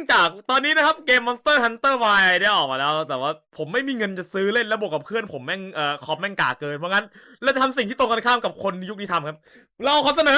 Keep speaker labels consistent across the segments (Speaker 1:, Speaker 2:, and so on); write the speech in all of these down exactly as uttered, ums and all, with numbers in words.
Speaker 1: องจากตอนนี้นะครับเกม Monster Hunter Y ได้ออกมาแล้วแต่ว่าผมไม่มีเงินจะซื้อเล่นแล้วบวกกับเพื่อนผมแม่งเอ่อคอมแม่งกากเกินเพราะงั้นเราจะทำสิ่งที่ตรงกันข้ามกับคนยุคนี้ทำครับเราขอเสนอ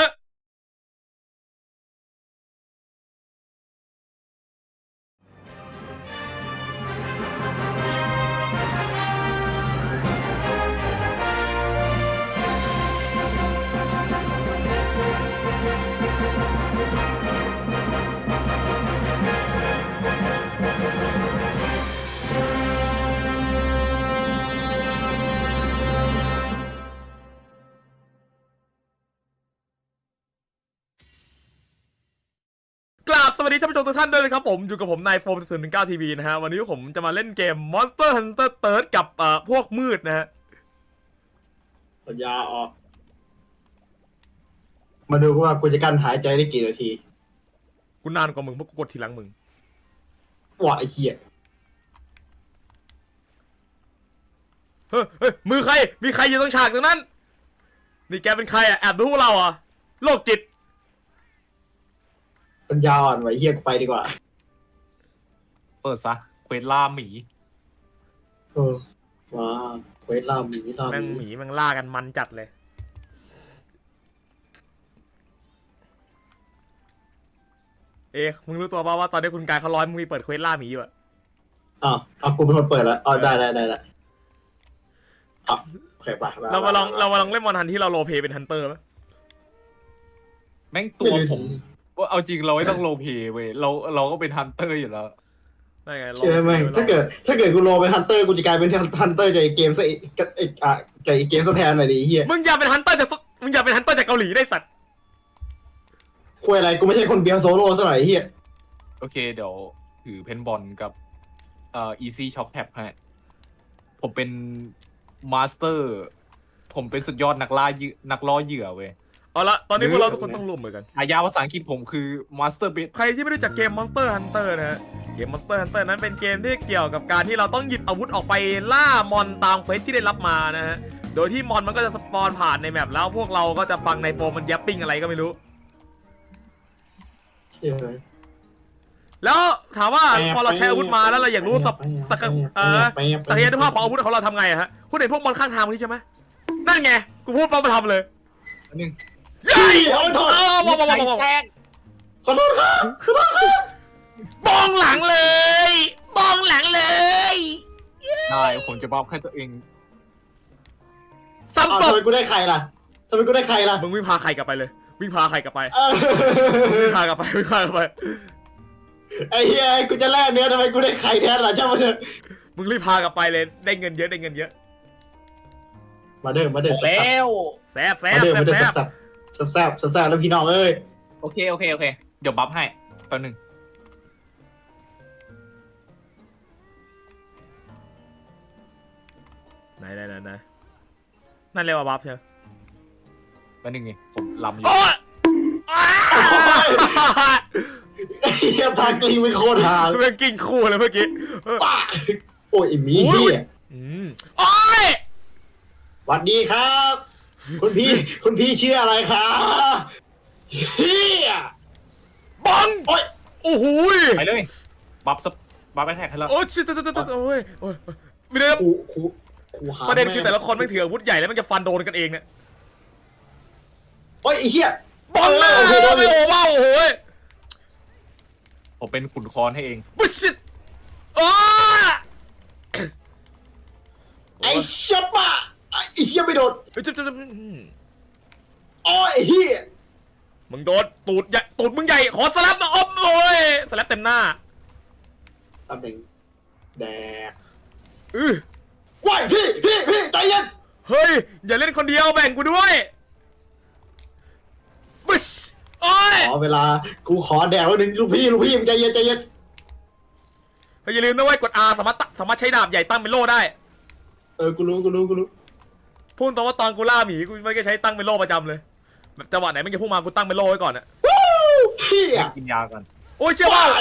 Speaker 1: กราบสวัสดีท่านผู้ชมทุกท่านด้วยนะครับผมอยู่กับผมนายโฟมศูนย์หนึ่งเก้าทีวีนะฮะวันนี้ผมจะมาเล่นเกม Monster Hunter Third กับเอ่อพวกมืดนะฮะ
Speaker 2: ปัญญาออกมาดูว่ากูจะกั้นหายใจได้กี่นาที
Speaker 1: กูนานกว่ามึงเพราะกูกดทีหลังมึง
Speaker 2: ว้าไอ้เหี้ย
Speaker 1: เฮ้ยเฮ้ยมือใครมีใครอยู่ตรงฉากตรงนั้นนี่แกเป็นใครอ่ะแอบดูพวกเราอ่ะโรคจิต
Speaker 2: ปัญญาอ่อนไว้เหี้ยกูไปดีกว่า
Speaker 3: เปิดซะเควสล่าหมี
Speaker 2: เออว้าเควสล่าหมีล่าห
Speaker 1: แม่งห
Speaker 2: มี
Speaker 1: มีแม่งล่ากันมันจัดเลยเอ๊ะมึงรู้ตัวป่าวว่าตอนนี้คุณกายเขาร้อยมึงมีเปิดเควสล่าหมีอยู่อ่ะ
Speaker 2: อ้าวอ้าวกูเป็นคนเปิดแล้วอ๋อได้ได้ได้ได้อ่ะโอเคไป
Speaker 1: เรามาลองเรามาลองเล่นมอนฮันที่เราโรลเพลย์เป็นฮันเตอร์ไหม
Speaker 3: แม่งตัวผมว่าเอาจริงเราไม่ต้องโลเพเว้ยเราเราก็เป็นฮันเตอร์อยู่แล้ว
Speaker 1: ได้ไง
Speaker 2: เชื่อไหมถ้าเกิดถ้าเกิดกูโลเป็นฮันเตอร์กูจะกลายเป็นฮันเตอร์จากเกมซะอีกอีกอ่ะจากเกมซะแทนหน่อยดิเหี้ย
Speaker 1: มึงอย่าเป็นฮันเตอร์จากมึงอย่าเป็นฮันเตอร์จากเกาหลีได้สัตว์
Speaker 2: คุยอะไรกูไม่ใช่คนเบียร์โซโล่ซะหน่อยเหี้ย
Speaker 3: โอเคเดี๋ยวถือเพนบอลกับเอ่อ easy shock tap ให้ผมเป็นมาสเตอร์ผมเป็นสุดยอดนักล่าเหยื่อนักล่อเหยื่อเว้ย
Speaker 1: เอาละตอนนี้พวกเราทุกคนต้องร่วมมือกัน
Speaker 3: อายาภาษาอังกฤษผมคือ master b e
Speaker 1: ใครที่ไม่รู้จักเกม Monster Hunter นะฮะเกม Monster Hunter นั้นเป็นเกมที่เกี่ยวกับการที่เราต้องหยิบอาวุธออกไปล่ามอนตามเควสที่ได้รับมานะฮะโดยที่มอนมันก็จะสปอนผ่านในแมปแล้วพวกเราก็จะฟังในโฟมมันยับปิ้งอะไรก็ไม่รู้แล้วถามว่าพอเราใช้อาวุธมาแล้วเราอยากรู้สักสักเอ่อศักยภาพของอาวุธของเราทำไงอะฮะคุณเห็นพวกมอนข้างทางนี้ใช่ไหมนั่นไงกูพูดปั๊บมาทำเลย
Speaker 3: อันนึง
Speaker 1: ใหญ่ขอโทษบอกบอกบอก
Speaker 2: ขอโทษครับขอโทษครับ
Speaker 1: บองหลังเลยบองหลังเลย
Speaker 3: ได้ผมจะบอกให้ตัวเอง
Speaker 1: ซ้ำศพ
Speaker 2: ทำไมกูได้ใครล่ะทำไมกูได้ใครล่ะ
Speaker 1: มึงวิ่งพาใครกลับไปเลยวิ่งพาใครกลับไปวิ่งพากลับไปวิ่งพากลับไป
Speaker 2: ไอ้เหี้ยกูจะแล่เนื้อทำไมกูได้ใครแทนล่ะช่างมันเถอะ
Speaker 1: มึงรีบพากลับไปเลยได้เงินเยอะได้เงินเยอะ
Speaker 2: มาเด้อมาเด้อ
Speaker 3: แล้ว
Speaker 1: แซ่บแซ่บแซ่บแซ่บ
Speaker 2: แซ่บแซ่บแซ่บแซ่บแล้วพี่น้องเอ้ย
Speaker 3: โอเคโอเคโอเคเดี๋ยวบัฟให้แป๊บนึง
Speaker 1: ไหนไหนไหนไหนนั่นเรียกว่าบัฟใช่ไหม
Speaker 3: แป๊บนึงไงผมลำอยู่
Speaker 2: ไอ้เหี้ยทางกลิ้งไม่โคตรหา
Speaker 1: เมื่อกิ้งคู่เลยเมื่อกี้
Speaker 2: ป้าโอ้ยมีเหี้ย
Speaker 1: อืมโอ้ย
Speaker 2: สวัสดีครับคุณพี่คุณพี่ชื่ออะไรครับเฮีย
Speaker 1: บัง
Speaker 2: โอ้ย
Speaker 1: โอ้โห
Speaker 3: ไปเลยบัฟซับบัฟไปแท็กให้แล้ว
Speaker 1: โอ้ยชิตตโอ้ยโอ้ยมีเรื่อง
Speaker 2: คูคูคูหา
Speaker 1: ประเด็นคือแต่ละคนไม่ถืออาวุธใหญ่แล้วมันจะฟันโดนกันเองเนี่ย
Speaker 2: โอ้ยไอ้เหี้ย
Speaker 1: บังเลยโอ้โหไม่โอ้ว้าวโอ้โห
Speaker 3: ผมเป็นขุนคอนให้เอง
Speaker 1: บุชิตโอ้
Speaker 2: ไอ้ชับปะไอ้เหี้ยไม่โดน
Speaker 1: เฮ้ยจับจับ
Speaker 2: โอ้ยไอ้เหี้ย
Speaker 1: มึงโดนตูดใหญ่ตูดมึงใหญ่ขอสลับมาอมโอ้ยสลับเต็มหน้า
Speaker 2: ตำแหน่งแดก
Speaker 1: อือ
Speaker 2: ว้ายพี่พี่พี่ใจเย็น
Speaker 1: เฮ้ยอย่าเล่นคนเดียวแบ่งกูด้วยบุชโอ้ย
Speaker 2: ขอเวลากูขอแดกแล้วหนึ่งลูกพี่ลูกพี่มึงใจเย็นใจเย็น
Speaker 1: เฮ้ยอย่าลืมนะเว้ยกด R สามารถสามารถใช้ดาบใหญ่ตั้งเป็นโล่ได้
Speaker 2: เออกูรู้กูรู้กูรู้
Speaker 1: พูดตรงว่าตอนกูล่าหมีกูไม่ได้ใช้ตั้งเป็นโล่ประจำเลยแบบจังหวะไหนมึงจะพุ่งมากูตั้งเป็นโล่ไว้ก่อนอะ
Speaker 2: พี่อะ
Speaker 3: กินยากัน
Speaker 1: โอ้ยเชื่อว่า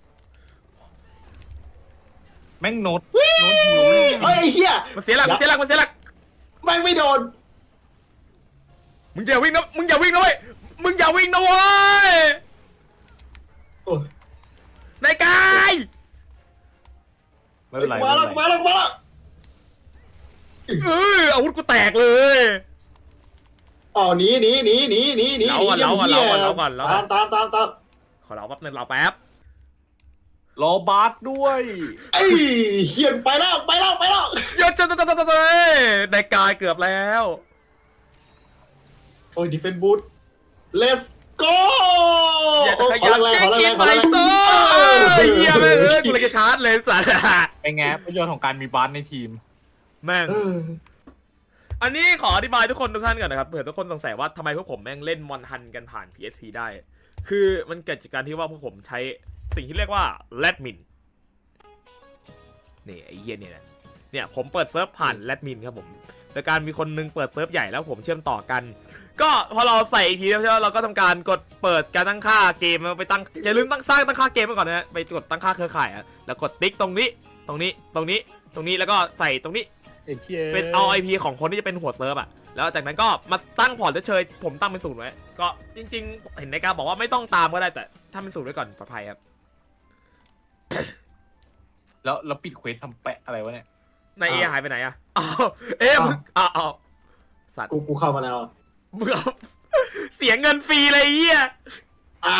Speaker 3: แม่งโน้ต
Speaker 2: โน้ตหิวเฮ้ยเฮีย
Speaker 1: มันเสียหลักมันเสียหลักมันเสียหลัก
Speaker 2: แม่งไม่โดน
Speaker 1: มึงอย่าวิ่งนะมึงอย่าวิ่งนะเว้ยมึงอย่าวิ่งนะเว้ยนายกา
Speaker 3: ไม่เป็นไร
Speaker 2: มา
Speaker 3: ไม่
Speaker 2: แล้ว
Speaker 3: เป็นไร
Speaker 2: มาแล้วมาแล้ว
Speaker 1: เอออาวุธกูแตกเลย
Speaker 2: อ๋อหนีหนีหนีหนีหนีหนี
Speaker 1: เราก่อนเราก่อนเราก่อนเราก่อนเราก่
Speaker 2: ตา
Speaker 1: อน
Speaker 2: มตามตามตาม
Speaker 1: ขอเราแป๊บนึงเราแป๊บ
Speaker 3: รอบาสด้วย
Speaker 2: ไอ้เขียนไปแล้วไปแล้วไปแล้ว
Speaker 1: เยอะจังจังจังจังได้กายเกือบแล้ว
Speaker 2: โอ้ยดีเฟนบูท let's go
Speaker 1: อย่าจะขยัน
Speaker 2: แร
Speaker 1: แก
Speaker 2: งขอแร
Speaker 1: กิน
Speaker 2: งข
Speaker 1: ไป
Speaker 2: อแรง
Speaker 1: โซ่เฮียแม่งเอ้ยกูเลยจะชาร์จเลยสัตว์
Speaker 3: เป็นไงประโยชน์ของการมีบาสในทีม
Speaker 1: แม่ง
Speaker 2: เออ
Speaker 1: อันนี้ขออธิบายทุกคนทุกท่านก่อนนะครับเผื่อทุกคนสงสัยว่าทำไมพวกผมแม่งเล่นมอนฮันกันผ่าน พี เอส พี ได้ คือมันเกิดจากการที่ว่าพวกผมใช้สิ่งที่เรียกว่าแรดมินนี่ไอ้เหี้ยเนี่ยนะเนี่ยผมเปิดเซิร์ฟผ่านแรดมินครับผมโดยการมีคนนึงเปิดเซิร์ฟใหญ่แล้วผมเชื่อมต่อกัน ก็พอเราใส่อีพีแล้วใช่ไหมเราก็ทำการกดเปิดการตั้งค่าเกมไปตั้งอย่าลืมตั้งสร้างตั้งค่าเกมไว้ก่อนนะฮะไปกดตั้งค่าเครือข่ายอะแล้วกดติ๊กตรงนี้ตรงนี้ตรงนี้ตรงนี้แล้วก็ใส่ตรงนี้เป็นเอา ไอ พี ของคนที่จะเป็นหัวเซิร์ฟอะแล้วจากนั้นก็มาตั้งพอร์ตเฉยๆผมตั้งเป็นศูนย์ไว้ก็จริงๆเห็นในการบอกว่าไม่ต้องตามก็ได้แต่ถ้าเป็นศูนย์ไว้ก่อนปลอดภัยครับ
Speaker 3: แล้วแล้วปิดเควสทำแปะอะไรวะเนี่ย
Speaker 1: นายเอหายไปไหนอะอ้าวเอ๊ะมึงอ้าวอ้าวสัตว์
Speaker 2: กูกูเข้ามาแล้ว
Speaker 1: มึงเอาเสียเงินฟรีเลยไอ้เหี้ย
Speaker 2: อ่า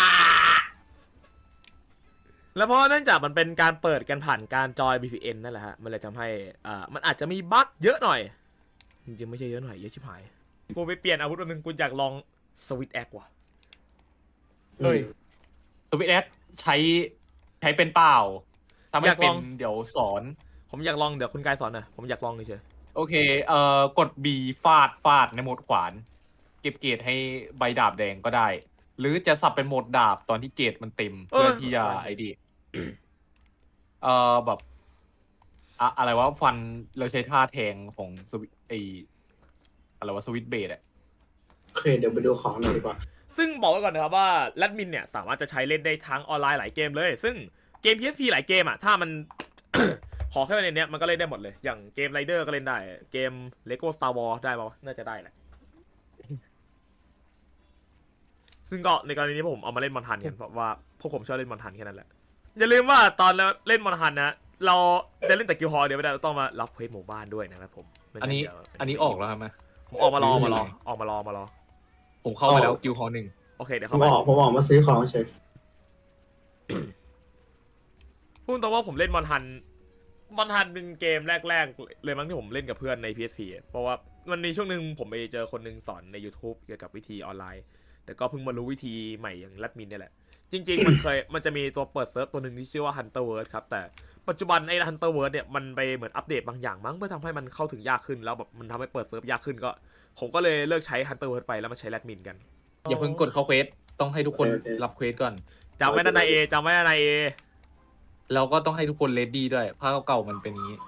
Speaker 1: แล้วเพราะเนื่องจากมันเป็นการเปิดกันผ่านการจอย บี พี เอ็น นั่นแหละฮะ มันเลยทำให้อ่ามันอาจจะมีบั๊กเยอะหน่อย จริงๆไม่ใช่เยอะหน่อย เยอะชิบหาย กูไปเปลี่ยนอาวุธอันนึงกูอยากลองสวิตแอคว่ะ
Speaker 3: เฮ้ย สวิตแอคใช้ใช้เป็นเปล่าถ้าไม่
Speaker 1: อยาก
Speaker 3: เป็
Speaker 1: ล
Speaker 3: น
Speaker 1: อง
Speaker 3: เดี๋ยวสอน
Speaker 1: ผมอยากลองเดี๋ยวคุณกายสอนหน่อยผมอยากลองเฉย
Speaker 3: โอเค เอ่อกด B ฟาดฟาดในโหมดขวาน เก็บเกรดให้ใบดาบแดงก็ได้ หรือจะสับเป็นโหมดดาบตอนที่เกรดมันเต็ม เพื่อที่จะไอ้ดีเอ่อแบบอะอะไรวะฟันเราใช้ท่าแทงของสวิตไออะไรวะสวิตเบดอะ
Speaker 2: โอเคเดี๋ยวไปดูของหน่อยดีกว่า
Speaker 1: ๆซึ่งบอกไว้ก่อนนะครับว่าแรดมินเนี่ยสามารถจะใช้เล่นได้ทั้งออนไลน์หลายเกมเลย ซึ่งเกม พี เอส พี หลายเกมอ่ะถ้ามัน ขอแค่ในเนี้ยมันก็เล่นได้หมดเลย อย่างเกมไรเดอร์ก็เล่นได้ เกม Lego Star Wars ได้ป่าวะน่าจะได้แหละ ซึ่งก็ในกรณีนี้ผมเอามาเล่นมอนทันกันเพราะว่าพวกผมชอบเล่นมอนทันแค่นั้นแหละ อย่าลืมว่าตอนเราเล่นมอนทันนะ เราจะเล่นแต่กิลฮอลเดียวไม่ได้เราต้องมารับเควสหมู่บ้านด้วยนะครับผมไม่
Speaker 3: อัน
Speaker 1: งั้
Speaker 3: นี้
Speaker 1: เดี๋ยว
Speaker 3: อันนี้ออกแล้วครับไหม
Speaker 1: ผมออกมารอมารอออกมารอมารอ
Speaker 3: ผมเข้าไปแล้วกิลฮอลหนึ่ง
Speaker 1: โอเคเดี๋ยว
Speaker 2: ผม
Speaker 1: เข้าไป
Speaker 2: ออกผมออกมาซื้อของเฉย
Speaker 1: พูดตรงว่าผมเล่นมอนทันมอนทันเป็นเกมแรกๆเลยมั้งที่ผมเล่นกับเพื่อนใน พี เอส พี เพราะว่ามันมีช่วงหนึ่งผมไปเจอคนหนึงสอนใน YouTube เกี่ยวกับวิธีออนไลน์ แต่ก็เพิ่งมารู้วิธีใหม่อย่างแรดมินนี่แหละ จริงๆ มันเคยมันจะมีตัวเปิดเซิร์ฟตัวหนึ่งที่ชื่อว่า Hunter World ครับ แต่ปัจจุบันไอ้ Hunter World เนี่ยมันไปเหมือนอัปเดตบางอย่างมั้งเพื่อทำให้มันเข้าถึงยากขึ้นแล้วแบบมันทำให้เปิดเซิร์ฟยากขึ้นก็ ผมก็เลยเลิกใช้ Hunter World ไปแล้วมาใช้แรดมินกัน
Speaker 3: อย่าเพิ่งกดเข้าเควสต้องให้ทุกคนรับเควสก่อน
Speaker 1: จำไว้นะนายเอจำไว้นะนายเอ
Speaker 3: แล้วก็ต้องให้ทุกคนเลดดี้ด้วยภาคเก่าๆมันเป็นอย่างนี้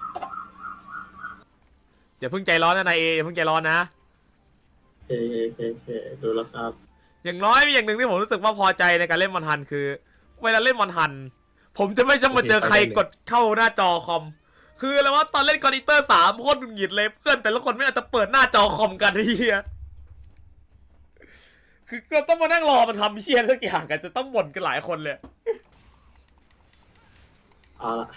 Speaker 1: อย่าเพิ่งใจร้อนนะนายเออย่าเพิ่งใจร้อนนะ
Speaker 2: โอเคโอเคโอเคดูแล้วครับ
Speaker 1: อย่างน้อยมีอย่างหนึ่งที่ผมรู้สึกว่าพอใจในการเล่นมอนทันคือ เวลาเล่นมอนทัน ผมจะไม่จะมาเจอใครกดเข้าหน้าจอคอม คืออะไรว่าตอนเล่นกอนิเตอร์สามโคตรหงุดหงิดเลยเพื่อนแต่ละคนไม่อาจจะเปิดหน้าจอคอมกันทีเดียคือก็ต้องมานั่งรอมันทำเชียร์สักอย่างกันจะต้องบ่นกันหลายคนเลย
Speaker 2: เอาละ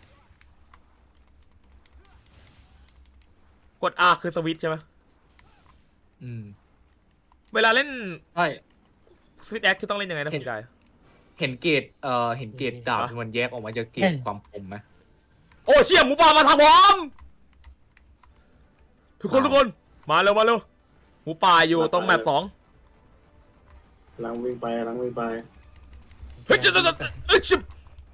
Speaker 1: กด R คือสวิตช์ใช่ไหม
Speaker 3: อืม
Speaker 1: เวลาเล่น
Speaker 3: ใช่
Speaker 1: สวิตช์แอคคือต้องเล่นยังไงนะคุณกาย
Speaker 3: เห็นเกรดเอ่อเห็นเกรดดาบที่มันแยกออกมาจากเกรดความคมไหม
Speaker 1: โอ้เชี่ยหมูป่ามาทางผมทุกคนทุกคนมาเร็วมาเร็วหมูป่าอยู่ตรงแมปสอง
Speaker 2: กำลังวิ่งไปกำลังวิ่งไป
Speaker 1: เฮ้ยจะจะจะเอ้ยชิบ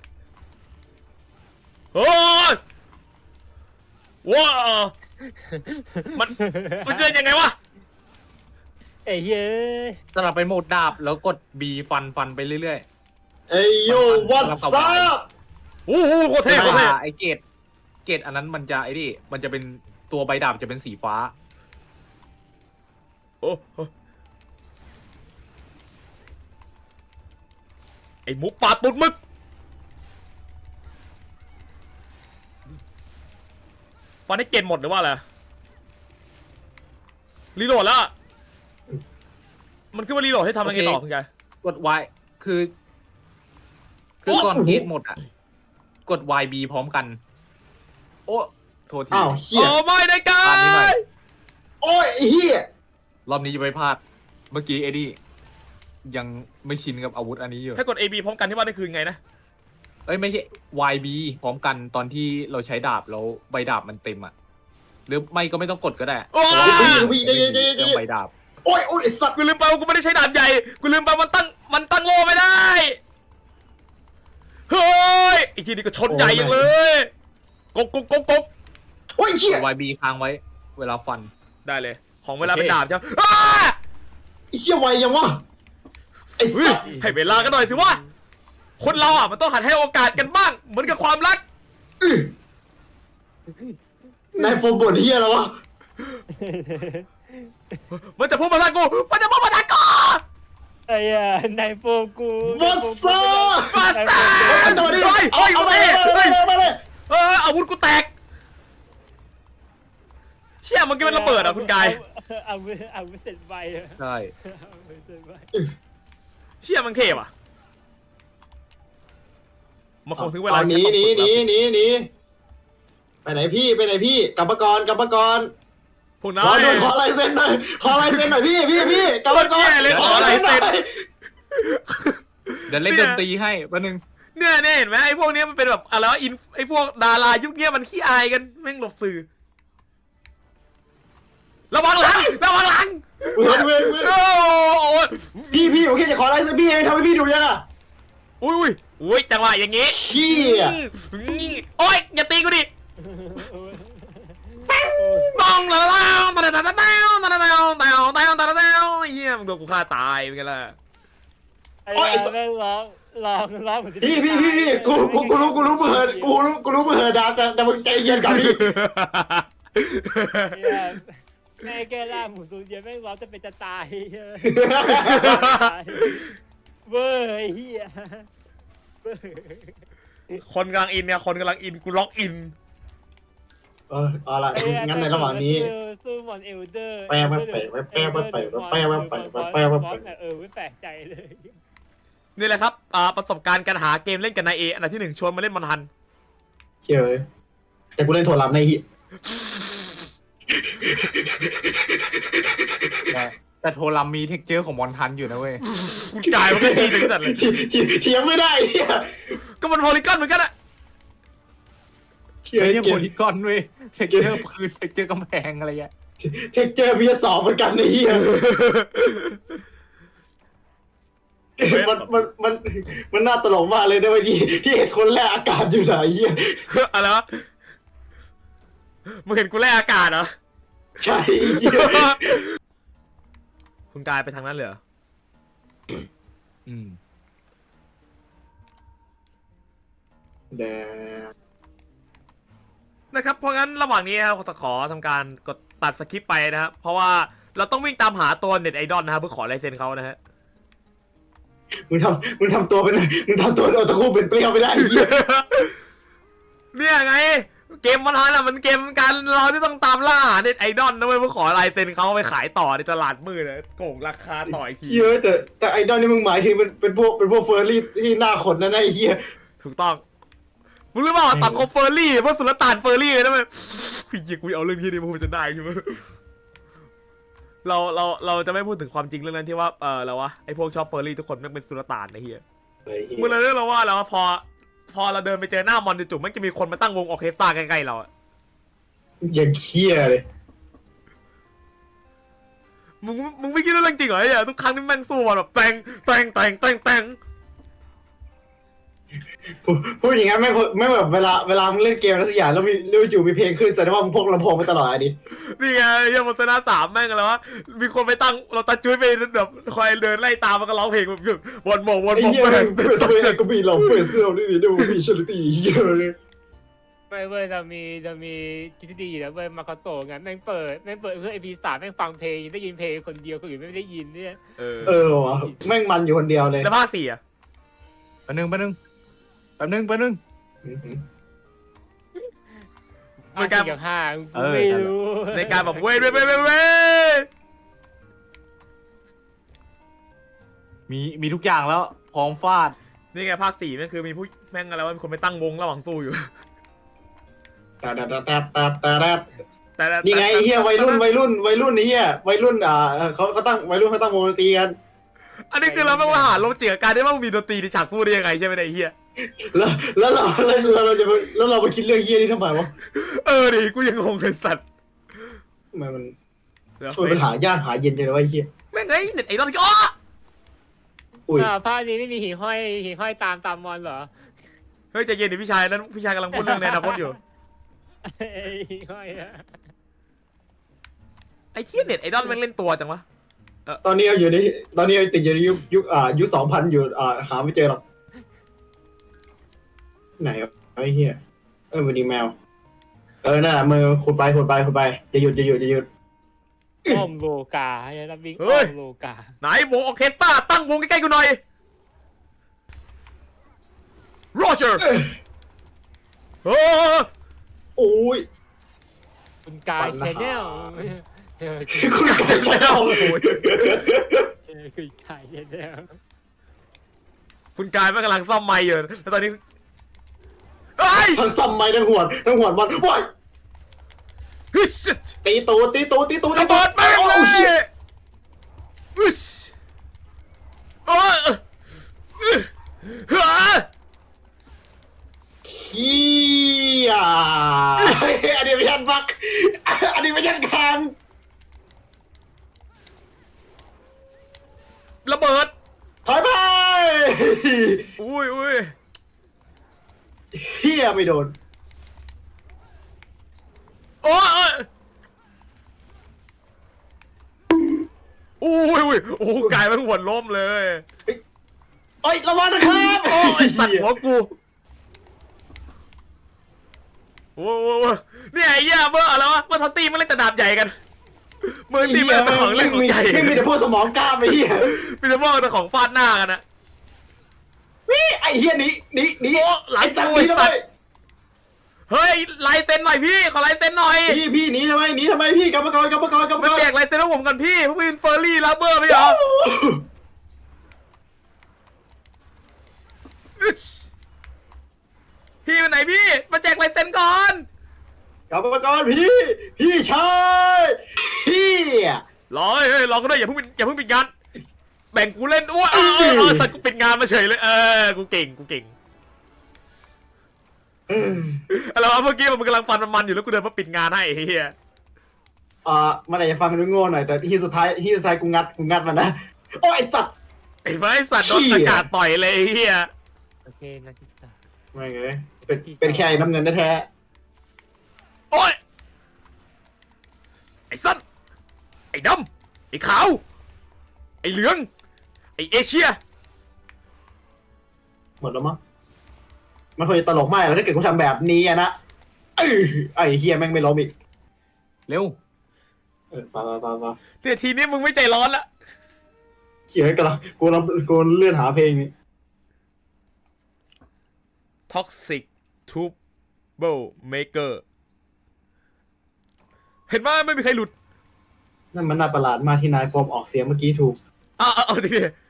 Speaker 1: โอ้ยว้ามันมันเดินยังไงวะ
Speaker 4: เอ้ยเย้ย
Speaker 3: สลับไปโหมดดาบแล้วกด B ฟันฟันไปเรื่อย
Speaker 2: เอ้ยโย่วัดซับ
Speaker 1: โอ้โหโคตร
Speaker 3: ๆ
Speaker 1: เท่โคตรเท่
Speaker 3: ไอเกรดเกรดอันนั้นมันจะไอ้นี่มันจะเป็นตัวใบดาบจะเป็นสีฟ้า
Speaker 1: โอ้โหไอหมูป่าตุดมึกฟันให้เกณฑ์หมดหรือว่าอะไรรีโหลดแล้วมันขึ้นมารีโหลดให้ทำอะไรต่อคุณกาย
Speaker 3: กด Y คือ คือก่อนเกรดหมดอ่ะกด วาย บี พร้อมกัน โอ้โทษที
Speaker 2: อ้าวเฮีย
Speaker 1: โอ้ไม่ได้กา
Speaker 3: อ่านนิดหน่อย
Speaker 1: ย
Speaker 2: โอ้ยไอ้เฮีย
Speaker 3: รอบนี้จะไม่พลาด เมื่อกี้เอ็ดดี้ยังไม่ชินกับอาวุธอันนี้อยู่
Speaker 1: ถ้ากด เอ บี พร้อมกันที่ว่าได้คืนไงนะ
Speaker 3: เอ้ยไม่ใช่ วาย บี พร้อมกันตอนที่เราใช้ดาบแล้วใบดาบมันเต็มอ่ะ หรือไม่ก็ไม่ต้องกดก็ได้
Speaker 1: โอ้ย
Speaker 3: เพราะว่ามันไม่มีเรื่องใบดาบ
Speaker 2: โอ้ยโอ้ยไอ้สัตว์
Speaker 1: กูลืมไปว่ากูไม่ได้ใช้ดาบใหญ่ กูลืมไปมันตั้ง มันตั้งโล่ไม่ได้ เฮ้ยไอ้ทีนี้ก็ชนใหญ่ยังเลย กกกกกกก
Speaker 2: โอ้ยเฮีย
Speaker 3: วาย บี ค้างไว้ เวลาฟัน
Speaker 1: ได้เลย ของเวลา
Speaker 3: โอเค
Speaker 1: เป็นดาบใช่ไหมอ้า
Speaker 2: ไอ้เฮียไวยังวะไอ้
Speaker 1: เฮ้ย
Speaker 2: สัตว์
Speaker 1: ให้เวลากันหน่อยสิวะ คนเราอ่ะมันต้องหัดให้โอกาสกันบ้าง เหมือนกับความรัก
Speaker 2: อื้อ นายโฟมบ่นเฮียแล้ววะ
Speaker 1: มันจะพูดมาทางกู มันจะพูดมาทางกู
Speaker 4: ไอ้ยานายโฟกู
Speaker 2: วัสซา
Speaker 1: มาสา
Speaker 2: เอาตัวนี้
Speaker 1: เฮ้ย
Speaker 2: เอา
Speaker 1: เฮ้ย
Speaker 2: เอา
Speaker 1: เฮ้
Speaker 2: ไป
Speaker 1: ย
Speaker 2: เลย
Speaker 1: เฮ้ย
Speaker 2: เอาไปเลย
Speaker 1: เอออาวุธกูแตก เชี่ยมันก็เป็นระเบิดอ่ะคุณกาย
Speaker 4: อาวุธอาวุธเสร็จไวอะ
Speaker 3: ใช่
Speaker 4: อาวุธเสร็จไว
Speaker 1: เชี่ยมันเทพอ่ะ มันคงถึงเวลา
Speaker 2: เอาหนี
Speaker 1: ที่
Speaker 2: หนี
Speaker 1: ฉั
Speaker 2: หนี
Speaker 1: ต้องฝึก
Speaker 2: หนีหนีไปไหนพี่ไปไหนพี่กลับมาก่อนกลับมาก่อน
Speaker 1: พวก
Speaker 2: ข
Speaker 1: นา
Speaker 2: อย ด้วยขอลายเซ็นหน่อยขอลายเซ็นหน่อยพี่พี่พี่กลับมาก่อน
Speaker 1: โคตรแย่เลยขอลายเซ็น
Speaker 2: หน่อย
Speaker 3: เดี๋ยวเล่น
Speaker 1: เนี่
Speaker 3: ด
Speaker 1: ย
Speaker 3: นตรีให้แป๊บนึง
Speaker 1: เนี่ยเนี่ยเห็นไหมไอ้พวกเนี้ยมันเป็นแบบอะไรวะอินไอ้พวกดารายุคเนี้ยมันขี้อายกันแม่งหลบสื่อ ระวังหลังระวังหลัง
Speaker 2: เว้ยเว้ยเว้ย
Speaker 1: โอ้โห
Speaker 2: พี่พี่ผมแค่จะขอลายเซ็นพี่เองทำให้พี่ดูยังอ่ะ
Speaker 1: อุ้ยอุ้ยอุ้ยจังหวะอย่างงี้
Speaker 2: ขี้อ่ะ
Speaker 1: อืมโอ๊ยอย่าตีกูดิตองตะตะตะตะตะตะตะตะตะตะตะตะตะตะเฮียมึงโดนกูฆ่าตายเป็นไงล่ะ
Speaker 4: ไอ้ยาแม่งร้องร้องร้องเหมือนจะ
Speaker 2: พี่พี่พี่พี่กูกูกูรู้กูรู้มือเหินกูรู้กูรู้มือเหินดาแต่แต่มึงใจเย็นก่อนพี่
Speaker 4: ไอ้ยาแม่แก้ล่าหมูสูญเย็นแม่งร้องจะเป็นจะตายเฮ้ยเว้ยไอ้เฮียเว้ย
Speaker 1: คนกำลังอินเนี่ยคนกำลังอินกูล็อกอิน
Speaker 2: เออเอาละ
Speaker 4: ไอ้เหี้ย
Speaker 2: งั้นในระหว่างนี้
Speaker 4: สู้มอนเอลเดอร์
Speaker 2: แปลมาแปลมาแปลมาแปลมาแปลมาแปลมาแปลมาแปลมา
Speaker 4: เออไม่แปลกใจเลย
Speaker 1: นี่แหละครับอ่าประสบการณ์การหาเกมเล่นกับนายเออันดับที่หนึ่งชวนมาเล่นมอนฮัน
Speaker 2: เชื่อเลยแต่กูเล่นโทรลับในฮี
Speaker 3: แต่แต่โทรัมมีเท็กเจอร์ของมอนทันอยู่นะเว้ย
Speaker 1: กูจ่ายมันก็ดีถึงขนาดเลย
Speaker 2: เถียงเถียงไม่ได้เฮีย
Speaker 1: ก็มันโพลีกอนเหมือนกันอะ
Speaker 2: เฮีย
Speaker 3: ไม่ใช่
Speaker 2: เก
Speaker 3: โพ
Speaker 2: ม
Speaker 3: ลีกอนเว้ยเท็กเจอร์พื้นเท็กเจอร์กำแพงอะไรเงี้ย
Speaker 2: เทคเจอร์พีสองเหมือนกันในเฮียมันมันมันมันน่าตลกมากเลยนะเมื่อกี้ที่เห็นคนแรกอากาศอยู่ไหนเฮีย
Speaker 1: อะไรวะมึงเห็นกูแลกอากาศเหรอ
Speaker 2: ใช่เฮีย
Speaker 1: คุณกายไปทางนั้นเลยเหรอ
Speaker 3: อืม
Speaker 2: แดง
Speaker 1: นะครับเพราะงั้นระหว่างนี้นะครับขอทำการกดตัดสคริปต์ไปนะครับเพราะว่าเราต้องวิ่งตามหาตัวเน็ตไอดอลนะครับเพื่อขอลายเซ็นเขานะฮะ
Speaker 2: มึงทำมึงทำตัวเป็นมึงทำตัวโอตาคุเป็นเปรี้ยวไม่ได้เฮีย
Speaker 1: เนี่ยไงเกมมันฮันอ่ะมันเกมการเราที่ต้องตามล่าหาเน็ตไอดอลนะเว้ยเพื่อขอลายเซ็นเขาไปขายต่อในตลาดมืดนะโกงราคาต่ออีกที
Speaker 2: เฮียแต่แต่ไอดอลนี่มึงหมายถึงเป็นเป็นพวกเป็นพวกเฟอร์รี่ที่หน้าขนนั่นไอ้เฮีย
Speaker 1: ถูกต้องมึงรู้เปล่าตัดคอเฟอร์รี่พวกสุลต่านเฟอร์รี่เลยนะเว้ยพี่ยิงกูเอาเรื่องที่นี่มาพูดจะได้ใช่ไหมเราเราเราจะไม่พูดถึงความจริงเรื่องนั้นที่ว่าเออแล้ววะไอพวกชอบเฟอร์รี่ทุกคนแม่งเป็นสุลต่านไอ้เหี้ยมึงเลยเรื่องเราว่าแล้วพอพอเราเดินไปเจอหน้ามอนจู่ๆมันจะมีคนมาตั้งวงออร์เคสตราใกล้ๆเราอะ
Speaker 2: อย่างเคี้ยเลย
Speaker 1: มึงมึงไม่คิดว่าเรื่องจริงเหรอเนี่ยทุกครั้งที่แม่งสู้มาแบบแตงแตงแตงแตงแตง
Speaker 2: พูดพูดอย่างงั้นไม่ไม่แบบเวลาเวลามึงเล่นเกมแล้วสักอย่างแล้วมีแล้วอยู่มีเพลงขึ้นแสดงว่ามึงพกลำโพงมาตลอดอ่ะดิ
Speaker 1: นี่ไงเฮียมอนสนาสามแม่งอะไรวะมีคนไปตั้งเราตาจุ้ยไปแบบคอยเดินไล่ตามมันก็ร้องเพลงแบบวนโมวน
Speaker 2: ไอ้
Speaker 1: โม
Speaker 2: เหี้ย
Speaker 1: แม่ง
Speaker 2: เปิดตัวเองก็มีเราเปิดเสื้อนี่ดูมีชลิตี้เหี้ยเลย
Speaker 4: ไม่เว้ยจะมีจะมีคิดที่ดีแล้วเว้ยมาคาโตะงั้นแม่งเปิดแม่งเปิดเพื่อไอพีสามแม่งฟังเพลงได้ยินเพลงคนเดียวคนอื่นไม่ได้ยินเนี่ย
Speaker 1: เออ
Speaker 2: เออวะแม่งมันอยู่คนเดียวเลย
Speaker 1: แล้วภาคสี่อะ
Speaker 3: แป๊บนึงแป๊บนึงแป๊บนึงแป๊บนึง
Speaker 1: ในการ
Speaker 4: สี่กับห้ากู
Speaker 3: เออ
Speaker 4: ไม่รู้
Speaker 1: ในการแบบเว้ยเว้ยเว้ยเว้ยเว้ย
Speaker 3: มีมีทุกอย่างแล้วพร้อมฟาด
Speaker 1: นี่ไงภาคสี่มันคือมีผู้แม่งอะไรวะมีคนไปตั้งวงระหว่างสู้อยู่
Speaker 2: แต่แต่แต่แต่แต่แต่
Speaker 1: แต่แต่
Speaker 2: นี่ไงเฮียวัยรุ่นวัยรุ่นวัยรุ่นนี่เฮียวัยรุ่นอ่าเขาเขาตั้งวัยรุ่นเขาตั้งวงดนตรีกัน
Speaker 1: อันนี้คือเราไม่ว่าหาลมเจียการได้ว่ามีดนตรีในฉากสู้ได้ยังไงใช่ไหมไอ้เฮีย
Speaker 2: แล้วแล้วเราแล้วเราจะแล้วเราไปคิดเรื่องเฮียนี่ทำไมวะ
Speaker 1: เออดิกูยังงงเลยสัตว์
Speaker 2: ทำไมมัน
Speaker 1: เดี๋ยว
Speaker 2: ช่วยปัญหายากหาเย็นจังเลยวะไอ้เฮีย
Speaker 1: แม่งไงเน็ตไอรอนอ๋อ
Speaker 2: อุ้ย
Speaker 4: อ่าภาคนี้ไม่มีหิ่งห้อยหิ่งห้อยตามตามมอนเหรอ
Speaker 1: เฮ้ยใจเย็นดิพี่ชายนั้นพี่ชายกำลังพูดเรื่องในอนาคตอยู่
Speaker 4: ไอ้หิ่งห้อยอะ
Speaker 1: ไอ้เฮียเน็ตไอรอนแม่งเล่นตัวจังวะ
Speaker 2: ตอนนี้เราอยู่ในตอนนี้เราติดอยู่ในยุคยุคอ่ายุคสองพันอยู่อ่าหาไม่เจอหรอกไหนวะไอ้เฮียเออวันนี้แมวเออนั่นแหละมือขุดไปขุดไปขุดไปจะหยุดจะหยุดจะหยุด
Speaker 4: อ้อมโลกาไอ้นักบิงอ้อมโลกา
Speaker 1: ไหนวงออร์เคสตราตั้งวงใกล้ๆกูหน่อยโรเจอร์เออ
Speaker 2: โอ้ย
Speaker 4: คุณกายชแนลเออ
Speaker 2: คุณกายชแนล
Speaker 1: โอ้โห
Speaker 4: เออคุณกายชแนล
Speaker 1: คุณกายแม่งกำลังซ่อมไมค์อยู่แล้วตอนนี้เฮ้ย
Speaker 2: ทั้งซ้ำไม้ทั้งหวดทั้งหวดมันว้าย
Speaker 1: ฮึช
Speaker 2: ตีตูตีตูตีตู
Speaker 1: ระเบิดแม่งเล
Speaker 2: โอ้
Speaker 1: ย
Speaker 2: ชิต
Speaker 1: ฮึชโอ้ยเฮ้ย
Speaker 2: เฮียอันนี้ไม่ยันบักอันนี้ไม่ยันคาง
Speaker 1: ระเบิด
Speaker 2: ถอยไป
Speaker 1: อุ้ยอุ้ย
Speaker 2: เฮียไม่โดน
Speaker 1: โอ้ยอุ้ยอุ้ยโอ้กายแม่งหัวล้มเลย
Speaker 2: เอ้ยระวังนะครับ
Speaker 1: โอ้ยสัตว์หัวกูโอ้โหเนี่ยไอ้เหี้ยเมื่ออะไรวะเมื่อทัตตี้มันเล่นแต่ดาบใหญ่กันเมื่อตีมันเป็นของเล่นของใหญ่
Speaker 2: ไม่มีแต่พวกสมองกล้ามไอ้เฮีย
Speaker 1: มีแต่พวกแต่ของฟาดหน้ากันนะ
Speaker 2: วิไอ้เฮียหนีหนีหนี
Speaker 1: โอ้หลาย
Speaker 2: ไอ้สัตว์
Speaker 1: ตัว
Speaker 2: หนีทำไม
Speaker 1: เฮ้ยลายเซ็นหน่อยพี่ขอลายเซ็นหน่อย
Speaker 2: พี่พี่หนีทำไมหนีทำไมพี่กรรมกรกรรมกรกรรม
Speaker 1: ไม่
Speaker 2: กร
Speaker 1: แจกลายเซ็นให้ผมกันพี่เพราะเป็นเฟอร์รี่ลาเบอร์ไม่เหรออึ๊ชพี่ไปไหนพี่มาแจกลายเซ็นก่อน
Speaker 2: กรรมกรพี่พี่ชายพี่
Speaker 1: รอเฮ้ยรอก็ได้อย่าเพิ่งปิดอย่าเพิ่งปิดงานแบ่งกูเล่นอ้วเออเออเออสัตว์กูปิดงานมาเฉยเลยเออกูเก่งกูเก่งอะไรวะเมื่อกี้มันกำลังฟันมันๆอยู่แล้วกูเดินมาปิดงานให้ไอ้เฮีย
Speaker 2: อ่ามันอาจจะฟังดูโง่หน่อยแต่ที่สุดท้ายที่สุดท้ายกูงัดกูงัดมันนะโอ้ยไอ้สัตว์
Speaker 1: ไอ้ไม้สัตว์โดนอากาศต่อยเลยไอ้เฮีย
Speaker 4: โอเคนักศึกษา
Speaker 2: ไม่ไงเป็นเป็นแค่ไอ้น้ำเงินแท้
Speaker 1: โอ้ยไอ้สัตว์ไอ้ดำไอ้ขาวไอ้เหลืองไอ้เอเชีย
Speaker 2: ๆหมดแล้วมั้งมันคงจะตลกมากแล้วถ้าเกิดกูทำแบบนี้อะนะเอ้ยไอ้เฮียแม่งไม่ล้มอีก
Speaker 3: เร็ว
Speaker 2: เออไปไปไปไป
Speaker 1: เนี่ยทีนี้มึงไม่ใจร้อนละ
Speaker 2: เขียนกันละกูรับกูเลื่อนหาเพลงนี้
Speaker 1: Toxic Trouble Maker เห็นไหมไม่มีใครหลุด
Speaker 2: นั่นมันน่าประหลาดมากที่นายฟอร์มออกเสียงเมื่อกี้ถูก
Speaker 1: อ่ะเอาเอาดิ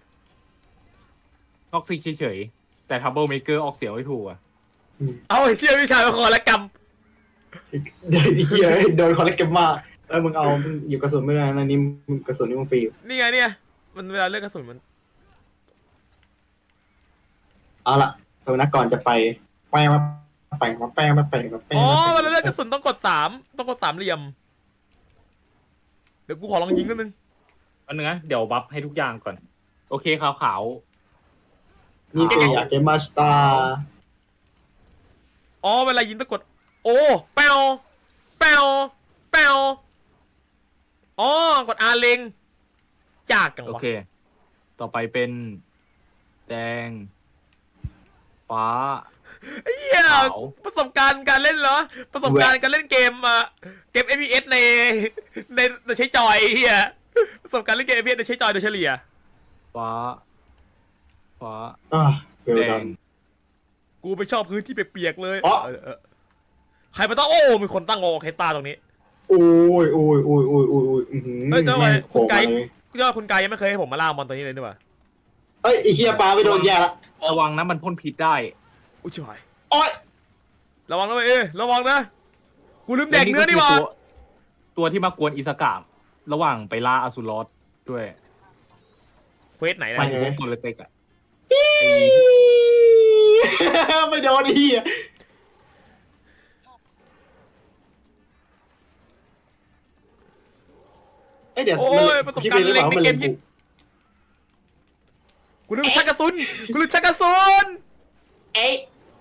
Speaker 3: ท็อกซิกเฉยๆ แต่ทับเบิลเมเกอร์ออกเสียงไม่ถูกอ่ะ
Speaker 1: เอาไอ้เชี่ยวิชามาขอละกรรม
Speaker 2: เดี๋ยวไอ้เฮียโดนคอลเลกเกมมาเอ้ยมึงเอามึงหยิบกระสุนไม่ได้นะนี่มึงกระสุนนี่มึงฟรีอยู่
Speaker 1: นี่ไงเนี่ยมันเวลาเลือกกระสุนมัน
Speaker 2: เอาละตอนนั้นก่อนจะไปแป้งมาแป้งมาแป้งมาแป้งมาแป้ง
Speaker 1: อ๋อ
Speaker 2: มา
Speaker 1: เวลาเลือกกระสุนต้องกดสามต้องกดสามเหลี่ยมเดี๋ยวกูขอลองยิงนิดนึง
Speaker 3: อันนึงนะเดี๋ยวบัฟให้ทุกอย่างก่อน โอเคขาวขาว
Speaker 2: นี่เป็นอยากเกมมาสตาร์
Speaker 1: อ๋อเวลายิงต้องกดโอ้แปวแปวแปวอ๋อกดอาเล็งจากกัง
Speaker 3: โอ
Speaker 1: วะ
Speaker 3: เค ต่อไปเป็น แดง ฟ้า
Speaker 1: เฮีย
Speaker 3: ขาว
Speaker 1: ประสบการณ์การเล่นเหรอประสบการณ์การเล่นเกมอ่ะเกม เอฟ พี เอส ในในในใช้จอยเฮียประสบการณ์เล่นเกม เอฟ พี เอส ในใช้จอยโดยเฉลี่ย
Speaker 3: ฟ้า ฟ้า
Speaker 2: อ่าเวล
Speaker 3: แด
Speaker 2: ดั
Speaker 3: ง
Speaker 2: น
Speaker 1: กูไปชอบพื้นที่เปียกๆเลย
Speaker 2: อ๋อ
Speaker 1: เออเออใครมาตั้งโอ้มีคนตั้งโอเคตาตรงนี้
Speaker 2: โอ้ยโอ้ยโอ้ยโอ้ยโอ้ยโอ้ยอื้อหือ
Speaker 1: เฮ้ยเจ้าไว้
Speaker 2: แม่ง
Speaker 1: คุณไกด์
Speaker 2: โผล่มาเลย
Speaker 1: กูว่าคุณกายยังไม่เคยให้ผมมาล่ามอนตัวนี้เลยนี่หว่า
Speaker 2: เฮ้ยไอ้เฮียปลาไปโดนแย่ละ
Speaker 3: ระวังนะมันพ่นพิษได้
Speaker 1: อุ้ยชิบหาย
Speaker 2: โอ๊ย
Speaker 1: ระวังนะเว้ยเอ้ยระวังนะกูลืมแดกเนื้อนี่หว่า
Speaker 3: ตัวตัวที่มากวนอิสกะระหว่างไปล่าอสุรอสด้วย
Speaker 1: เควสไหนนะ
Speaker 3: ไอ้พวกคนเล็กๆอ่ะ
Speaker 2: ไม่โดนไอ้เหี้ยเอ้ยเดี๋ยว
Speaker 1: โอ้ยประสบการณ์เล็กในเกมยิงกูลืมชักกระสุนกูลืมชักกระสุน
Speaker 2: เอ๊ะ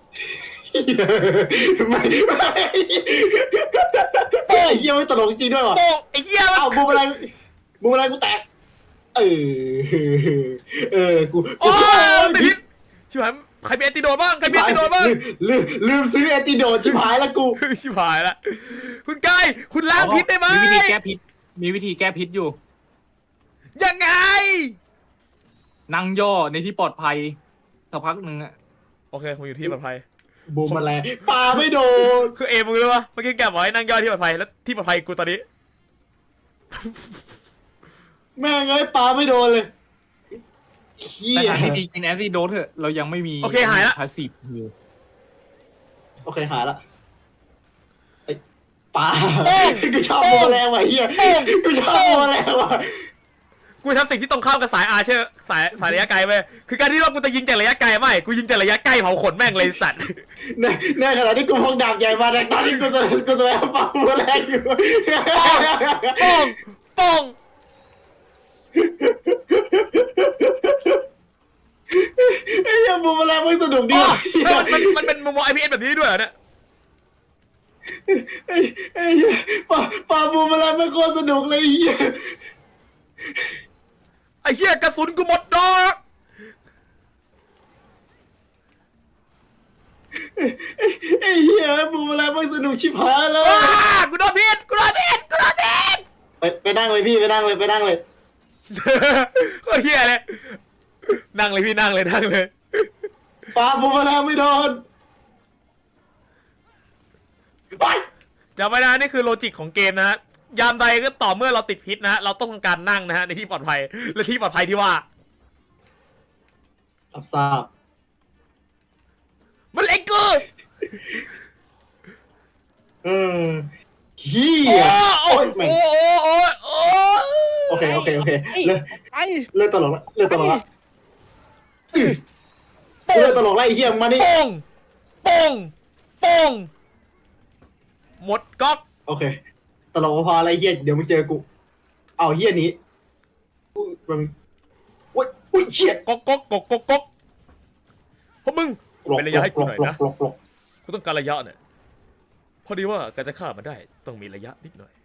Speaker 2: ไม่ไม่ไอ้เหี้ยไม่ตลกจริงด้วยวะ
Speaker 1: โป้งไอ้เหี้ยมัน
Speaker 2: เอ้าบูมอะไรบูมอะไรกูแตกเออเออกู
Speaker 1: โอ้ติดพิษชิบหายใครมีแอนติโดดบ้างใครมีแอนติโดดบ้าง
Speaker 2: ลืมลืมซื้อแอนติโดดชิบหายแล้วกู
Speaker 1: ชิบหายละคุณกายคุณล้างพิษได้ไหม
Speaker 3: มีวิธีแก้พิษ มีวิธีแก้พิษอยู่
Speaker 1: ยังไง
Speaker 3: นั่งย่อในที่ปลอดภัยสักพักหนึ่งอะ
Speaker 1: โอเคผมอยู่ที่ปลอดภัย
Speaker 2: บูมอะไรปลาไม่โดน
Speaker 1: คือเอมึงรู้ปะเมื่อกี้แกบอกให้นั่งย่อที่ปลอดภัยแล้วที่ปลอดภัยกูตอนนี้
Speaker 2: แม่งไอ้ปลาไม่โดนเลยเฮี
Speaker 3: แต่
Speaker 2: ย
Speaker 3: ทางที่ดีกินแอนติโดสเถอะเรายังไม่มี
Speaker 1: โอเคหายละ
Speaker 3: พาสซีฟฮิล
Speaker 2: โอเคหายละไอ้ปลากูชอบบูมแมลงว่ะเฮียกูชอบบูมแมลงว่ะ
Speaker 1: กูทำสิ่งที่ตรงข้ามกับสายอาร์เชอร์สายสายระยะไกลไปคือการที่ว่ากูจะยิงจากระยะไกลไม่กูยิงจากระยะใกล้เผาขนแม่งเลยสัตว์
Speaker 2: ในในขณะที่กูพกดาบใหญ่มาในตอนที่กูจะกูจะไปเอาปลาบูมแมลงอยู่
Speaker 1: โป้งโป้ง
Speaker 2: ไอ้เหี้ยบูมแมลงไม่สนุกดี
Speaker 1: อ๋อ
Speaker 2: ว่ะ
Speaker 1: เฮ้ยมันมันมันเป็นมุมมอง ไอ พี เอส แบบนี้ด้วยเหรอเนี่ย
Speaker 2: ไอ้ไอ้เหี้ยปลาปลาบูมแมลงไม่โคตรสนุกเลยไอ้เหี้ย
Speaker 1: ไอ้เหี้ยกระสุนกูหมดดอก
Speaker 2: ไอ้เหี้ยบูมแมลงไม่สนุกชิบหายแล้ว
Speaker 1: ว้ากูโดนพิษกูโดนพิษกูโดนพิษ
Speaker 2: ไปไปนั่งเลยพี่ไปนั่งเลยไปนั่งเลย
Speaker 1: โคตรเหี้ยเลยนั่งเลยพี่นั่งเลยนั่งเลย
Speaker 2: ปลาบูมแมลงไม่โดนไป
Speaker 1: จำไว้นะนี่คือโลจิกของเกมนะฮะยามใดก็ต่อเมื่อเราติดพิษนะฮะเราต้องทำการนั่งนะฮะในที่ปลอดภัยและที่ปลอดภัยที่ว่า
Speaker 2: รับทราบ
Speaker 1: มันเล็กกู
Speaker 2: เออเฮี
Speaker 1: โอ้
Speaker 2: ย
Speaker 1: โอ้
Speaker 2: โอ้ย
Speaker 1: โอ้โอ้โอ้โอ้
Speaker 2: โอเคโอเคโอเคเลิก
Speaker 4: ไอ้
Speaker 2: เลิกตลกละเลิกตลกละเลิกตลกละไอ้เฮียมานี่
Speaker 1: โป้งโป้งโป้งหมดก๊อก
Speaker 2: โอเคตลกพออะไรเฮียเดี๋ยวมึงเจอกูเอาเฮียนี้อุ้ยมันอุ้ยอุ้ยเชี่ย
Speaker 1: ก๊อกก๊อกก๊อกก๊อกก๊อกพวกมึงเป็นระยะให้กูหน่อยนะ
Speaker 2: กลกกลก
Speaker 1: กูต้องการระยะเนี่ยพอดีว่าการจะฆ่ามันได้ต้องมีระยะนิดหน่อย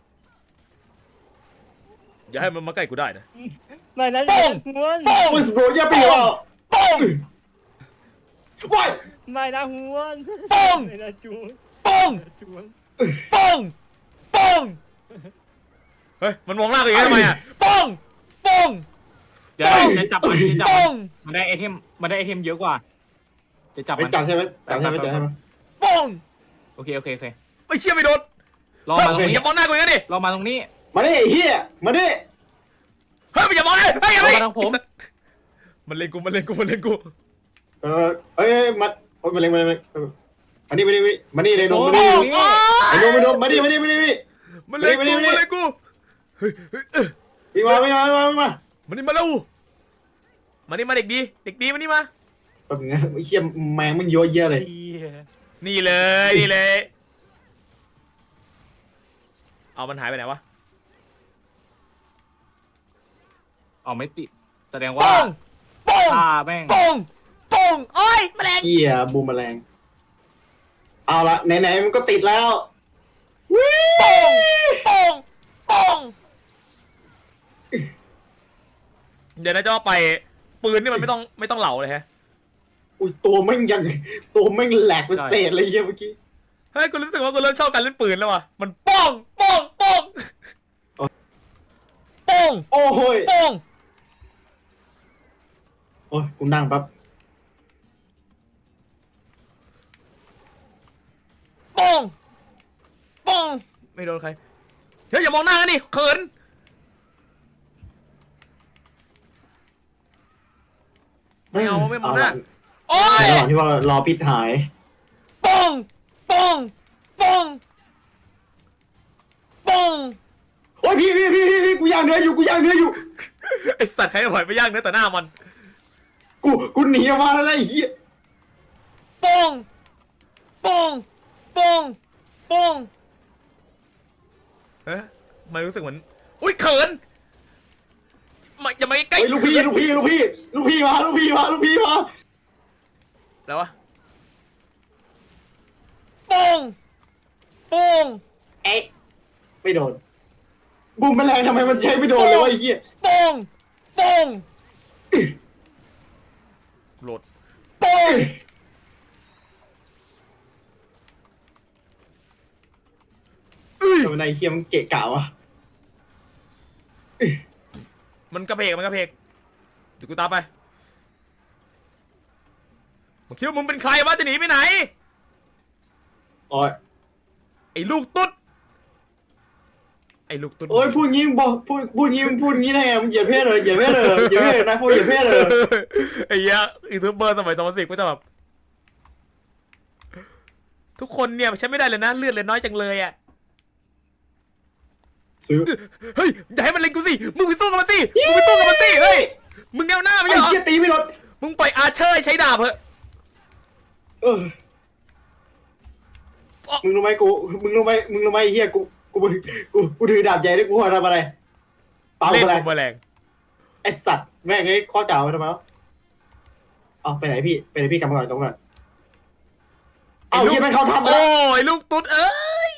Speaker 1: อย่าให้มันมาใกล้กูได้นะ
Speaker 4: ไม่นะ
Speaker 1: โป้ง
Speaker 4: หัวน
Speaker 1: โป้ง
Speaker 2: อุ้ยสโบรอย่าไปเอา
Speaker 1: โป้ง
Speaker 2: ว้าย
Speaker 4: ไม่นะหัวน
Speaker 1: โป้ง
Speaker 4: ไม่นะจูน
Speaker 1: โป้ง
Speaker 4: จูน
Speaker 1: โป้งโป้งเฮ้ยมันมองหน้าตัวเองทำไมอ่ะโป้งโป้ง
Speaker 3: เดี๋ยวจะจับมันจะจับ
Speaker 1: โป้
Speaker 3: มัน
Speaker 1: ง
Speaker 3: มันได้ไอเทมมันได้ไอเทมเยอะกว่า จะจับ
Speaker 2: ไม่
Speaker 3: มัน
Speaker 2: จับใช่ไหมจับใช่ไหมจับใช่ไหม
Speaker 1: โป้ง
Speaker 3: โอเคโอเคโอเค
Speaker 1: ไม่เชื่อไม่โดน
Speaker 3: รอ
Speaker 1: เฮ้ย
Speaker 3: มาตรง
Speaker 1: อ
Speaker 3: นี้
Speaker 1: ย่ามองหน้ากูอย่างนั้นดิ
Speaker 3: รอมาตรงนี้
Speaker 2: มาดิไอ้เฮียมาดิ
Speaker 1: เฮ้ยอย่ามองเลยเฮ้ยอย่าไป
Speaker 3: เอามาทางผม
Speaker 1: มันเล่นกูมันเล่นกูมันเล่นกู
Speaker 2: เออเอ้ยมาโอ้ยมาเลยมาเลยมาเลยมานี่มานี่มานี่เลยโดมมา
Speaker 1: โป้
Speaker 2: นี่
Speaker 1: งอ๋อ
Speaker 2: ไอ้โดมมาโดมมาดิมาดิมาดิมาดิ
Speaker 1: มันเล่น
Speaker 2: มา
Speaker 1: กู
Speaker 2: นี่มานี่
Speaker 1: มันเล่นกูเฮ้ยเฮ้ยเอ้ย
Speaker 2: วิ่งมาวิ่งมาวิ่งมาวิ่งมา
Speaker 1: มานี่มาแล้วมานี่มาเด็กดีเด็กดีมานี่มา
Speaker 2: แบบนี้ไอ้เฮียแมงมันเยอะแยะเลย
Speaker 4: เหี้ย
Speaker 1: นี่เลยนี่เลยเอามันหายไปไหนวะ
Speaker 3: เอาไม่ติด แสดง
Speaker 1: โป้
Speaker 3: ว่าง
Speaker 1: โป้ง
Speaker 3: ฆ่าแม่ง
Speaker 1: โป้งโป้งโอ้ยแมลง
Speaker 2: เฮียบูมแมลงเอาละไหนๆมันก็ติดแล้ววิ
Speaker 1: โป้งโป้งโป้งเดี๋ยวนะจะว่าไปปืนนี่มันไม่ต้องไม่ต้องเหลาเลยฮะ
Speaker 2: อุ้ยตัวแม่งยังตัวแม่งแหลกเป็นเศษเลยเฮียเมื่อกี้
Speaker 1: เฮ้ยกูรู้สึกว่ากูเริ่มชอบการเล่นปืนแล้วว่ะมันโป้งโป้งโป้งโป้ง
Speaker 2: โอ้โหย
Speaker 1: โป้ง
Speaker 2: โอ้ยกูนั่งแป๊บ
Speaker 1: โป้งโป้งไม่โดนใครเฮ้ยอย่ามองหน้ากันดิเขินไม่เอาไม่มองหน้าโอ้ย
Speaker 2: ในระหว่างที่ว่ารอพิษหาย
Speaker 1: ป้องป้องป้องป้อง
Speaker 2: โอ้ยพี่พี่พี่พี่พี่กูย่างเนื้ออยู่กูย่างเนื้ออยู่
Speaker 1: ไอสัตว์ใครจะปล่อยไปย่างเนื้อต่อหน้ามัน
Speaker 2: กูกูหนีออกมาแล้วนะไอ้เหี้ย
Speaker 1: ป้องป้องป้องป้องเอ๊ะมันรู้สึกเหมือนอุ้ยเขินมาอย่ามาใกล้
Speaker 2: เฮ้ยลูกพี่ลูกพี่ลูกพี่ลูกพี่มาลูกพี่มาลูกพี่มา
Speaker 1: แล้ววะป้องป้อง
Speaker 2: เอ๊ะไม่โดนบูมแมลงทำไมมันใช้ไม่โดนเลยวะไอ้เหี้ย
Speaker 1: ป้องป้องโหลดป้องอุ้ย
Speaker 2: ทำไมนายเฮียมันเกะกะวะ
Speaker 1: มันกระเพกมันกระเพกเดี๋ยวกูตามไปมึงคิดว่ามึงเป็นใครวะจะหนีไปไหน
Speaker 2: โอ้ย
Speaker 1: ไอ้ลูกตุ๊ดไอ้ลูกตุ๊ด
Speaker 2: โอ้ยพูดงี้มึงบอกพูดพูดงี้มึงพูดงี้ได้ไงมึงเหยียดเพศเลยเหยียดเพศเลยเหยียดเพศเลยนายพูดเหยียดเพศเลย
Speaker 1: ไอ้เหี้ยยูทูบเบอร์สมัยสองพันสิบก็จะแบบทุกคนเนี่ยใช้ไม่ได้เลยนะเลือดเลยน้อยจังเลยอ่ะ
Speaker 2: ซื้อ
Speaker 1: เฮ้ยอย่าให้มันเล็งกูสิมึงไปสู้กับมันสิมึงไปสู้กับมันสิเฮ้ยมึงแนวหน้าไม่
Speaker 2: ไอ้
Speaker 1: ใช่เหรอ
Speaker 2: เหี้ยตีไม่โดน
Speaker 1: มึงปล่อยอาร์เชอร์ให้ใช้ดาบเถอะ
Speaker 2: เออมึงรู้ไหมกูมึงรู้ไหมมึงรู้ไหมไอ้เฮียกูกูกูกูถือดาบใหญ่ด้วยกูทำอะไรเปล่า
Speaker 1: เล่น
Speaker 2: อะไร
Speaker 1: กูแมลง
Speaker 2: ไอสัตว์แม่งไอ้ข้อเก่าทำไมวะเอาไปไหนพี่ไปไหนพี่กลับมาก่อนตรงก่อนเอาเฮียแม่งเขาทำ
Speaker 1: โอ้
Speaker 2: แล้ว
Speaker 1: ยลูกตุ๊ดเอ้ย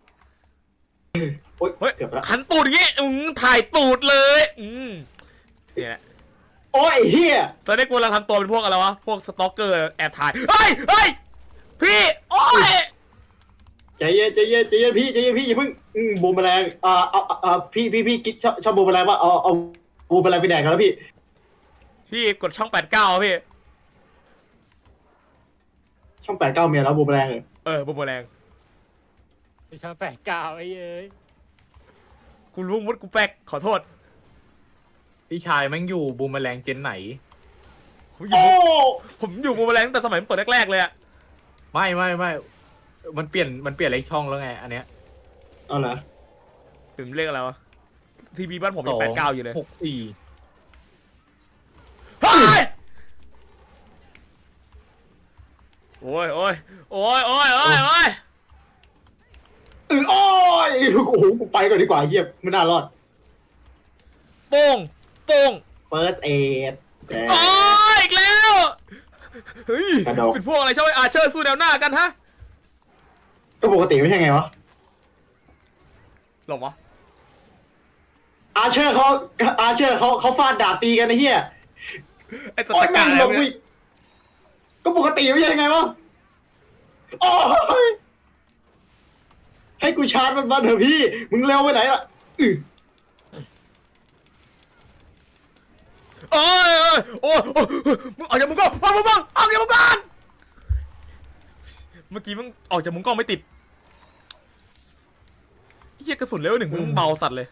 Speaker 2: โอ๊ย
Speaker 1: เฮ้ย
Speaker 2: เกือบแล้ว
Speaker 1: หันตูดอย่างงี้อืมถ่ายตูดเลยอืมเนี่ย
Speaker 2: โอ้ยไอ้เฮีย
Speaker 1: ตอนนี้กูกำลังทำตัวเป็นพวกอะไรวะพวกสตอกเกอร์แอบถ่ายเฮ้ยเฮ้ยพี่โอ้ย
Speaker 2: ใจเย็นใจเย็นใจเย็นพี่ใจเย็นพี่อย่าเพิ่งอืมบูมแมลงอ่าเอาเอาเอาพี่พี่พี่กิ๊กชอบชอบบูมแมลงว่าเอาเอาบูมแมลงไปแดกกันแล้วพี่
Speaker 1: พี่กดช่องแปดเก้าพี่
Speaker 2: ช่องแปดเก้าเมียแล้วบูมแมลงเลย
Speaker 1: เออบุมแมลง
Speaker 4: ไปช่างแปดเก้าไอ้เอ้ย
Speaker 1: กูรู้มุดกูแป๊กขอโทษ
Speaker 3: พี่ชายแม่งอยู่บูมแมลงเจนไหน
Speaker 1: ผมอยู่ผมอยู่บุมแมลงตั้งแต่สมัยมันเปิดแรกๆเลยอะ
Speaker 3: ไม่ไม่ไม่มันเปลี่ยนมันเปลี่ยนเลขช่องแล้วไง อันเนี้ย
Speaker 2: เอาเหรอ
Speaker 1: เป็นเลขอะไรวะทีวีบ้านผมยังแปดเก้าอยู่เลย
Speaker 3: หกสี่
Speaker 1: เฮ้ยโอ้ยโอ้ยโอ้ยโอ้ยโอ้ยโอ้ย
Speaker 2: เออโอ้ยโอ้โหกูไปก่อนดีกว่าเฮียไม่น่ารอด
Speaker 1: โป้งโป้ง
Speaker 2: first aid
Speaker 1: โอ้ยอีกแล้วเฮ้ย
Speaker 2: กระดก
Speaker 1: เป็นพวกอะไรชอบไอ้อาร์เชอร์สู้แนวหน้ากันฮะ
Speaker 2: ก็ปกติไม่ใช่ไงวะ
Speaker 1: หรอวะ
Speaker 2: อาเชอร์เขาอาเชอร์เขาเขาฟาดดาบตีกันนะเฮีย
Speaker 1: ไอ้ส
Speaker 2: โอ้
Speaker 1: ต
Speaker 2: ย
Speaker 1: กา
Speaker 2: แม่ง
Speaker 1: อะไร
Speaker 2: หลบ
Speaker 1: วะ
Speaker 2: วิ
Speaker 1: เนี่ย
Speaker 2: ก็ปกติไม่ใช่ไงวะโอ้ยให้กูชาร์จมันมาเถอะพี่ มึงเร็วไปไหนล่ะอื้อ
Speaker 1: โอ้ยโอ้ยโอ้ยโอ้ยมึงออกจากมุมกล้องออกจากมุมกล้องออกจากมุมกล้องเมื่อกี้มึงออกจากมุมกล้องไม่ติดเฮียกระสุนเลเวลหนึ่งมึงเบาสัตว์เลย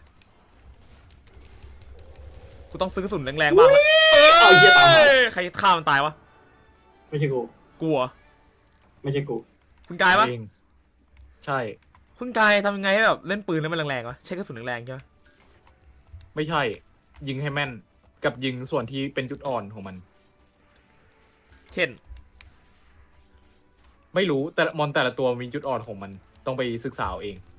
Speaker 1: กูต้องซื้อกระสุนแรงๆบ้างละ
Speaker 2: เอาเฮียตามมา
Speaker 1: เอ้ยใครฆ่ามันตายวะ
Speaker 2: ไม่ใช่กู
Speaker 1: กลัว
Speaker 2: ไม่ใช่กู
Speaker 1: คุณกายปะ
Speaker 3: เองใช่
Speaker 1: คุณกายทำยังไงให้แบบเล่นปืนแล้วมันแรงๆวะใช้กระสุนแรงๆใช่ไหม
Speaker 3: ไม่ใช่ ยิงให้แม่นกับยิงส่วนที่เป็นจุดอ่อนของมัน
Speaker 1: เช่น
Speaker 3: ไม่รู้แต่มอนแต่ละตัวมีจุดอ่อนของมันต้องไปศึกษาเอาเอง